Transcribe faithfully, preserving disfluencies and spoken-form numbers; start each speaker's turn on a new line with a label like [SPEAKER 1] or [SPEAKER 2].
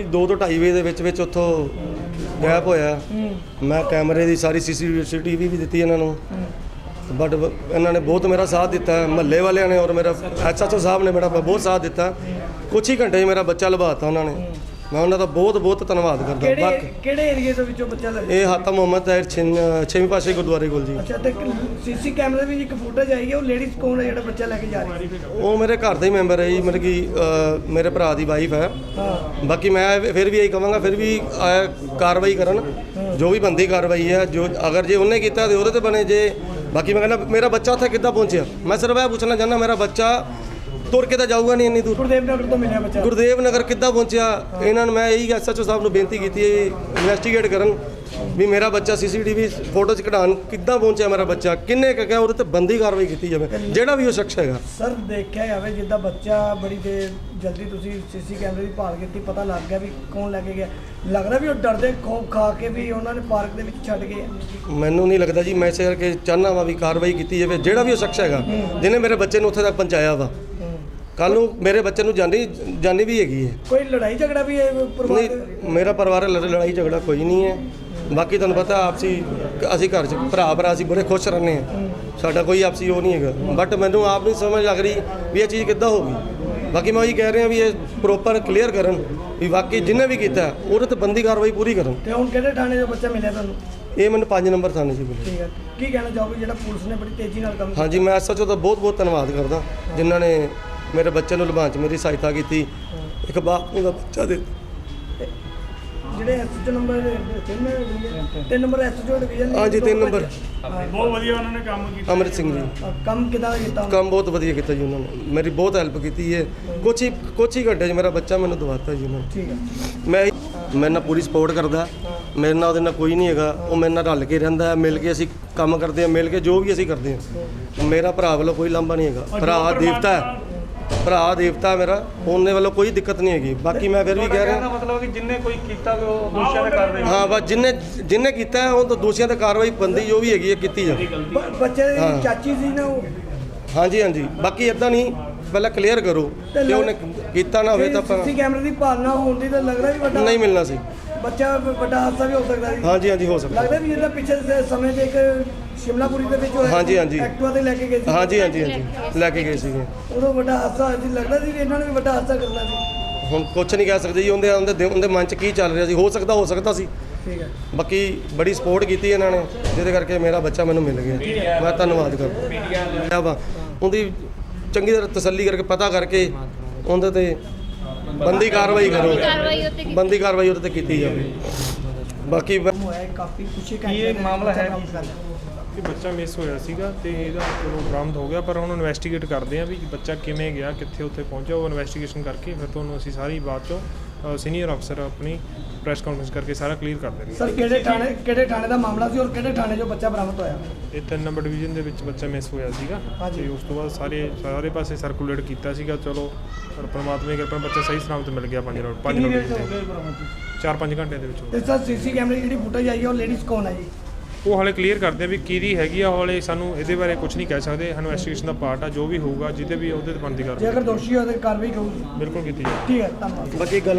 [SPEAKER 1] दो तो ढाई बजे के विच उत्थों गैप होया। मैं कैमरे की सारी सी सी टी वी भी दी इन्हों, बट इन्होंने बहुत मेरा साथ दिता है, महल्ले वाले ने और मेरा एच एच ओ साहब ने मेरा बहुत साथ दिता। कुछ ही घंटे मेरा बच्चा लभाता उन्होंने, मैं उन्होंने बहुत बहुत धन्यवाद करता।
[SPEAKER 2] किहड़े एरिए दे विचों बच्चा लगा?
[SPEAKER 1] ये हाता मुहम्मद ताहिर छेवीं पातशाही गुरुद्वारे कोल जी।
[SPEAKER 2] अच्छा, ते सीसी कैमरे में एक फुटेज आई है, वो लेडीज कौन है जिहड़ा बच्चा लेके जा रही है?
[SPEAKER 1] वो मेरे घर का ही मैंबर है जी, मतलब कि मेरे भरा की वाइफ है।
[SPEAKER 2] हाँ।
[SPEAKER 1] बाकी मैं फिर भी यही कहूँगा, फिर भी कार्रवाई करन, जो भी बनती कार्रवाई है, जो अगर जे उन्हें किया तो वो बने जे। बाकी मैं कहना मेरा बच्चा उत्थे किद्दां पहुँचा, मैं सिर्फ यह पूछना चाहना मेरा बच्चा तुर के तो जाऊगा नहीं इन्नी दूर।
[SPEAKER 2] गुरदेव नगर तो मिलिया बच्चा,
[SPEAKER 1] गुरदेव नगर किद्दां पहुँचा? इन्होंने मैं यही एस एच ओ साहब को बेनती की इन्वेस्टिगेट करन भी मेरा बच्चा C C T V photo च कढान किद्दां पहुँचा, मेरा बच्चा किन्ने क्या वो बंदी कार्रवाई की जाए ਜਿਹੜਾ भी वो शख्स है।
[SPEAKER 2] सर देखा जाए जिद्दां बच्चा बड़ी देर जल्दी तुसी सीसी कैमरे की भाल की, पता लग गया भी कौन लैके गया, लगदा भी वो डरदे खौफ खा के भी उन्होंने पार्क के विच छड्ड गए?
[SPEAKER 1] मैनू नहीं लगता जी, मैं इस करके चाहना वा भी कार्रवाई की जाए ਜਿਹੜਾ भी वो शख्स है जिन्हें मेरे बच्चे ਨੂੰ ਉੱਥੇ तक पहुँचाया वा। कल ਨੂੰ ਮੇਰੇ ਬੱਚੇ ਨੂੰ ਜਾਨੀ ਜਾਨੀ भी हैगी है।
[SPEAKER 2] कोई लड़ाई झगड़ा भी है परिवार?
[SPEAKER 1] नहीं, मेरा परिवार लड़ाई झगड़ा कोई नहीं है। बाकी तुहानू पता आपसी ਅਸੀਂ घर च भरा भरा ਅਸੀਂ बड़े खुश रहने हैं, साडा कोई आपसी वो नहीं है। बट मैनू आप नहीं समझ लग रही भी ये चीज़ किद्दां हो गई। बाकी मैं वही कह रहा भी ये प्रॉपर क्लीयर करन भी वाकई जिन्हें भी किया ਉਹਦੇ ਤੇ ਬੰਦੀ कार्रवाई पूरी करन।
[SPEAKER 2] ਤੇ ਹੁਣ ਕਿਹੜੇ ਥਾਣੇ ਜੋ ਬੱਚਾ ਮਿਲਿਆ ਤੁਹਾਨੂੰ?
[SPEAKER 1] ਇਹ ਮੈਨੂੰ ਪੰਜ ਨੰਬਰ ਥਾਣੇ ਜੀ ਮਿਲਿਆ।
[SPEAKER 2] ਠੀਕ ਹੈ, ਕੀ ਕਹਿਣਾ ਚਾਹੋਗੇ ਜਿਹੜਾ ਪੁਲਿਸ ਨੇ ਬੜੀ ਤੇਜ਼ੀ ਨਾਲ ਕੰਮ?
[SPEAKER 1] ਹਾਂਜੀ, ਮੈਂ ਐਸ ਐਚ ਓ ਦਾ ਬਹੁਤ ਬਹੁਤ ਧੰਨਵਾਦ ਕਰਦਾ ਜਿਨ੍ਹਾਂ ਨੇ ਮੇਰੇ ਬੱਚੇ ਨੂੰ ਲਭਾਉਣ 'ਚ ਮੇਰੀ ਸਹਾਇਤਾ ਕੀਤੀ। ਇੱਕ ਬਾਪ ਨੂੰ ਦਾ ਬੱਚਾ ਦੇ
[SPEAKER 2] ਜਿਹੜੇ ਐਸ ਐਚ ਓ ਨੰਬਰ ਤਿੰਨ ਤਿੰਨ number S H O division.
[SPEAKER 1] ਹਾਂਜੀ, ਤਿੰਨ ਨੰਬਰ
[SPEAKER 3] ਬਹੁਤ ਵਧੀਆ ਉਹਨਾਂ ਨੇ ਕੰਮ ਕੀਤਾ।
[SPEAKER 1] ਅਮਰਿਤ ਸਿੰਘ ਜੀ
[SPEAKER 2] ਕੰਮ ਕਿਦਾਂ ਕੀਤਾ?
[SPEAKER 1] ਕੰਮ ਬਹੁਤ ਵਧੀਆ ਕੀਤਾ ਜੀ ਉਹਨਾਂ ਨੇ, ਮੇਰੀ ਬਹੁਤ ਹੈਲਪ ਕੀਤੀ ਹੈ। ਕੁਛ ਹੀ ਕੁਛ ਹੀ ਘੰਟੇ 'ਚ ਮੇਰਾ ਬੱਚਾ ਮੈਨੂੰ ਦਵਾਤਾ ਜੀ ਉਹਨਾਂ ਨੇ।
[SPEAKER 2] ਠੀਕ ਹੈ,
[SPEAKER 1] ਮੈਂ ਮੇਰੇ ਨਾਲ ਪੂਰੀ ਸਪੋਰਟ ਕਰਦਾ, ਮੇਰੇ ਨਾਲ ਉਹਦੇ ਨਾਲ ਕੋਈ ਨਹੀਂ ਹੈਗਾ, ਉਹ ਮੇਰੇ ਨਾਲ ਰਲ ਕੇ ਰਹਿੰਦਾ, ਮਿਲ ਕੇ ਅਸੀਂ ਕੰਮ ਕਰਦੇ ਹਾਂ, ਮਿਲ ਕੇ ਜੋ ਵੀ ਅਸੀਂ ਕਰਦੇ ਹਾਂ। ਮੇਰਾ ਭਰਾ ਵੱਲੋਂ ਕੋਈ ਲਾਂਭਾ ਨਹੀਂ ਹੈਗਾ, ਭਰਾ ਦੇਵਤਾ ਹੈ, ਭਰਾ ਦੇਵਤਾ ਮੇਰਾ, ਉਹਨੇ ਵੱਲੋਂ ਕੋਈ ਦਿੱਕਤ ਨਹੀਂ ਹੈਗੀ। ਬਾਕੀ ਮੈਂ ਫਿਰ ਵੀ ਕਹਿ ਰਿਹਾ
[SPEAKER 3] ਮਤਲਬ ਕਿ ਜਿੰਨੇ ਕੋਈ ਕੀਤਾ ਉਹ ਦੋਸ਼ੀਆਂ ਤੇ ਕਾਰਵਾਈ।
[SPEAKER 1] ਹਾਂ, ਬਸ ਜਿੰਨੇ ਜਿੰਨੇ ਕੀਤਾ ਹੈ ਉਹ ਤਾਂ ਦੋਸ਼ੀਆਂ ਤੇ ਕਾਰਵਾਈ ਬੰਦੀ ਜੋ ਵੀ ਹੈਗੀ ਹੈ ਕੀਤੀ ਜਾਵੇ।
[SPEAKER 2] ਬੱਚੇ ਦੀ ਚਾਚੀ ਸੀ ਨਾ ਉਹ?
[SPEAKER 1] ਹਾਂਜੀ ਹਾਂਜੀ, ਬਾਕੀ ਇਦਾਂ ਨਹੀਂ, ਪਹਿਲਾਂ ਕਲੀਅਰ ਕਰੋ ਕਿ ਉਹਨੇ ਕੀਤਾ ਨਾ ਹੋਵੇ ਤਾਂ ਆਪਾਂ
[SPEAKER 2] ਸੀਸੀ ਕੈਮਰੇ ਦੀ ਭਾਲਣਾ ਹੋਣ ਦੀ ਤਾਂ ਲੱਗਦਾ ਵੀ ਵੱਡਾ
[SPEAKER 1] ਨਹੀਂ ਮਿਲਣਾ ਸੀ।
[SPEAKER 2] ਬੱਚਾ ਵੱਡਾ ਹਾਦਸਾ ਵੀ ਹੋ ਸਕਦਾ ਸੀ।
[SPEAKER 1] ਹਾਂਜੀ ਹਾਂਜੀ, ਹੋ ਸਕਦਾ।
[SPEAKER 2] ਲੱਗਦਾ ਵੀ ਇਹਦਾ ਪਿੱਛੇ ਦੇ ਸਮੇਂ ਤੇ ਇੱਕ ਸ਼ਿਮਲਾਪੁਰੀ ਦੇ ਵਿੱਚ ਹੋਇਆ।
[SPEAKER 1] ਹਾਂਜੀ ਹਾਂਜੀ,
[SPEAKER 2] ਐਕਟਿਵਾ ਤੇ ਲੈ ਕੇ ਗਏ ਸੀ।
[SPEAKER 1] ਹਾਂਜੀ ਹਾਂਜੀ ਹਾਂਜੀ, ਲੈ ਕੇ ਗਏ ਸੀਗੇ।
[SPEAKER 2] ਉਦੋਂ ਵੱਡਾ ਹਾਦਸਾ ਹੋਇਆ ਸੀ, ਲੱਗਦਾ ਸੀ ਵੀ ਇਹਨਾਂ ਨੇ ਵੀ ਵੱਡਾ ਹਾਦਸਾ ਕਰਨਾ ਸੀ।
[SPEAKER 1] ਹੁਣ ਕੁਛ ਨਹੀਂ ਕਹਿ ਸਕਦੇ ਜੀ, ਉਹਦੇ ਉਹਦੇ ਉਹਦੇ ਮਨ 'ਚ ਕੀ ਚੱਲ ਰਿਹਾ ਸੀ, ਹੋ ਸਕਦਾ ਹੋ ਸਕਦਾ ਸੀ।
[SPEAKER 2] ਠੀਕ ਹੈ,
[SPEAKER 1] ਬਾਕੀ ਬੜੀ ਸਪੋਰਟ ਕੀਤੀ ਇਹਨਾਂ ਨੇ, ਜਿਹਦੇ ਕਰਕੇ ਮੇਰਾ ਬੱਚਾ ਮੈਨੂੰ ਮਿਲ ਗਿਆ। ਮੈਂ ਧੰਨਵਾਦ ਕਰਦਾ ਵਾ ਉਹਦੀ, ਚੰਗੀ ਤਰ੍ਹਾਂ ਤਸੱਲੀ ਕਰਕੇ ਪਤਾ ਕਰਕੇ ਉਹਦੇ ਤੇ ਬੰਦੀ ਕਾਰਵਾਈ ਕਰੋ, ਬੰਦੀ ਕਾਰਵਾਈ ਉਹਦੇ ਤੇ ਕੀਤੀ ਜਾਵੇ। ਬਾਕੀ
[SPEAKER 2] ਹੋਇਆ ਕਾਫੀ ਕੁਛ
[SPEAKER 3] ਇਹ ਮਾਮਲਾ ਹੈ ਕਿ ਬੱਚਾ ਮਿਸ ਹੋਇਆ ਸੀਗਾ ਤੇ ਇਹਦਾ ਚਲੋ ਬਰਾਮਦ ਹੋ ਗਿਆ, ਪਰ ਹੁਣ ਇਨਵੈਸਟੀਗੇਟ ਕਰਦੇ ਆ ਵੀ ਬੱਚਾ ਕਿਵੇਂ ਗਿਆ, ਕਿੱਥੇ ਉੱਥੇ ਪਹੁੰਚਿਆ। ਉਹ ਇਨਵੈਸਟੀਗੇਸ਼ਨ ਕਰਕੇ ਫਿਰ ਤੁਹਾਨੂੰ ਅਸੀਂ ਸਾਰੀ ਬਾਤ ਚੋਂ ਸੀਨੀਅਰ ਅਫਸਰ ਆਪਣੀ ਪ੍ਰੈਸ ਕਾਨਫਰੰਸ ਕਰਕੇ ਸਾਰਾ ਕਲੀਅਰ ਕਰ ਦੇਣਗੇ।
[SPEAKER 2] ਸਰ ਕਿਹੜੇ ਥਾਣੇ ਕਿਹੜੇ ਥਾਣੇ ਦਾ ਮਾਮਲਾ ਸੀ ਔਰ ਕਿਹੜੇ ਥਾਣੇ 'ਚੋਂ ਬੱਚਾ ਬਰਾਮਦ ਹੋਇਆ?
[SPEAKER 3] ਇਹ ਤਿੰਨ ਨੰਬਰ ਡਿਵੀਜ਼ਨ ਦੇ ਵਿੱਚ ਬੱਚਾ ਮਿਸ ਹੋਇਆ ਸੀਗਾ ਤੇ ਉਸ ਤੋਂ ਬਾਅਦ ਸਾਰੇ ਸਾਰੇ ਪਾਸੇ ਸਰਕੂਲੇਟ ਕੀਤਾ ਸੀਗਾ। ਚਲੋ ਪਰ ਪਰਮਾਤਮਾ ਦੀ ਕਿਰਪਾ ਬੱਚਾ ਸਹੀ ਸਲਾਮਤ ਮਿਲ ਗਿਆ। ਪੰਜ ਰੋਡ ਪੰਜ ਰੋਡ ਚਾਰ ਪੰਜ ਘੰਟੇ ਦੇ ਵਿੱਚ।
[SPEAKER 2] ਤੇ ਸਰ ਸੀਸੀ ਕੈਮਰੇ ਦੀ ਜਿਹੜੀ ਫੁਟੇਜ ਆਈ ਹੈ ਉਹ ਲੇਡੀਜ਼ ਕੌਣ ਹੈ ਜੀ?
[SPEAKER 3] ਉਹ ਹਾਲੇ ਕਲੀਅਰ ਕਰਦੇ ਆ ਵੀ ਕਿਹਦੀ ਹੈਗੀ ਆ। ਹਾਲੇ ਸਾਨੂੰ ਇਹਦੇ ਬਾਰੇ ਕੁਝ ਨਹੀਂ ਕਹਿ ਸਕਦੇ, ਇਨਵੈਸਟੀਗੇਸ਼ਨ ਦਾ ਪਾਰਟ ਆ, ਜੋ ਵੀ ਹੋਊਗਾ ਜਿਹਦੇ ਵੀ ਉਹਦੇ ਤੇ ਬਣਦੀ
[SPEAKER 2] ਜੇ
[SPEAKER 3] ਕਾਰਵਾਈ
[SPEAKER 2] ਅਗਰ ਦੋਸ਼ੀ ਹੋਵੇ ਤਾਂ ਕਾਰਵਾਈ ਹੋਊਗੀ।
[SPEAKER 3] ਬਿਲਕੁਲ ਕੀਤੀ ਜਾਊਗੀ।
[SPEAKER 2] ਠੀਕ ਹੈ, ਧੰਨਵਾਦ।
[SPEAKER 1] ਬਾਕੀ ਗੱਲ